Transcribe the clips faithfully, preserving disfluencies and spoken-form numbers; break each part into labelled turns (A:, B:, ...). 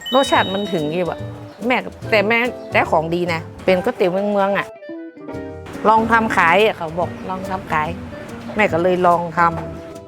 A: รสชาติมันถึงอยู่แบบแม่แต่แม่แต่ของดีนะเป็นก๋วยเตี๋ยวเมืองเมืองอ่ะลองทำขายเขาบอกลองทำขายแม่ก็เลยลองทำ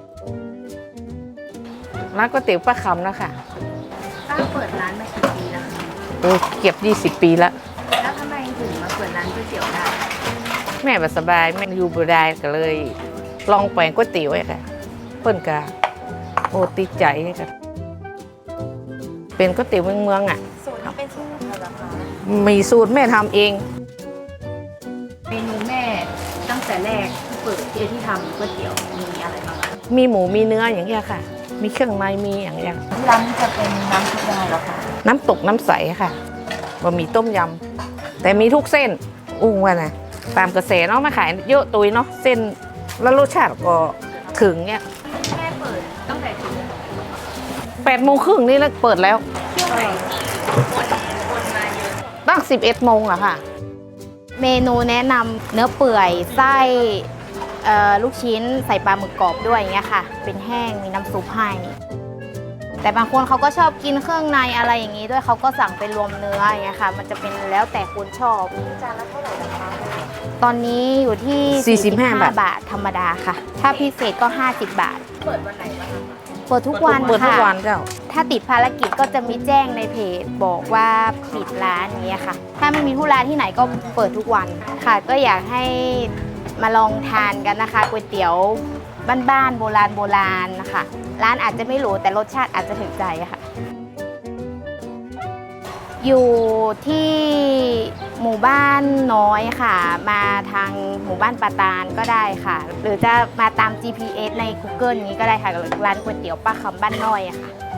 A: ร้านก๋วยเตี๋ยวป้าคำนะคะ
B: ป้าเปิดร้านมากี่ปีแล้วคะ
A: โอ้เก็บยี่สิบปีแล้ว
B: แล้วทำไมถึงมาเปิดร้านก๋วยเตี๋ยวได้
A: แม่แบบสบายแม่อยู่บ่ได้ก็เลย ลองแปลงก๋วยเตี๋ยวไอ้ค่ะเปิ้นกาโอ้ติดใจค่ะเป็นก๋วยเตี๋ยวเมืองเมืองอ่ะ
B: สูตรนี้เป็นสูตรของใครเหรอคะ
A: มีสูตรแม่ทำเอง
B: เมนูแม่ตั้งแต่แรกที่เปิดที่ที่ทำก๋วยเตี๋ยวมีอะไรบ้างคะ
A: มีหมูมีเนื้ออย่างเงี้ยค่ะ มีเครื่องในมีอย่างเงี้ย
B: ที่ร้านนี้จะเป็นน้ำซุปยังไงเหรอคะ
A: น้ำตกน้ำใสค่ะบะหมี่ต้มยำแต่มีทุกเส้นอุ้งว่านะตามกระแสเนาะมาขายเยอะตุยเนาะเส้นแล้วรสชาติก็ถึงเนี่ย
B: แม่เปิดตั้งแต่กี่โมง
A: แปดโมงครึ่งนี่แล้วเปิดแล้ว
B: ช่วงไหนคนคนมาเยอะ
A: ตั้งสิบเอ็ดโมงอะค่ะ
C: เมนูแนะนำเนื้อเปื่อยไส้เอ่อลูกชิ้นใส่ปลาหมึกกรอบด้วยอย่างเงี้ยค่ะ เป็นแห้งมีน้ำซุปให้แต่บางคนเขาก็ชอบกินเครื่องในอะไรอย่างนี้ด้วยเขาก็สั่งเป็นรวมเนื้ออย่างเงี้ยค่ะ มันจะเป็นแล้วแต่คนชอบ
B: จานละเท่าไหร่นะคะ
C: ตอนนี้อยู่ที่
A: สี่สิบห้าบาท
C: บาทธรรมดาค่ะ ถ้าพิเศษก็ ห้าสิบบาท
B: เปิดวันไหนบ้างคะ
C: เปิดทุกวัน
A: เปิดทุก
C: ค่ะ
A: วันเจ้า
C: ถ้าติดภารกิจก็จะมีแจ้งในเพจบอกว่าปิดร้านอย่างเงี้ยค่ะ ถ้าไม่มีธุระที่ไหนก็เปิดทุกวันค่ะ ก็อยากให้มาลองทานกันนะคะก๋วยเตี๋ยวบ้านๆโบราณโบราณนะคะ ร้านอาจจะไม่หรูแต่รสชาติอาจจะถึงใจค่ะ อยู่ที่หมู่บ้านน้อยค่ะ มาทางหมู่บ้านปาตานก็ได้ค่ะ หรือจะมาตาม จี พี เอส ใน กูเกิล นี้ก็ได้ค่ะร้านก๋วยเตี๋ยวป้าคำบ้านน้อยอะค่ะ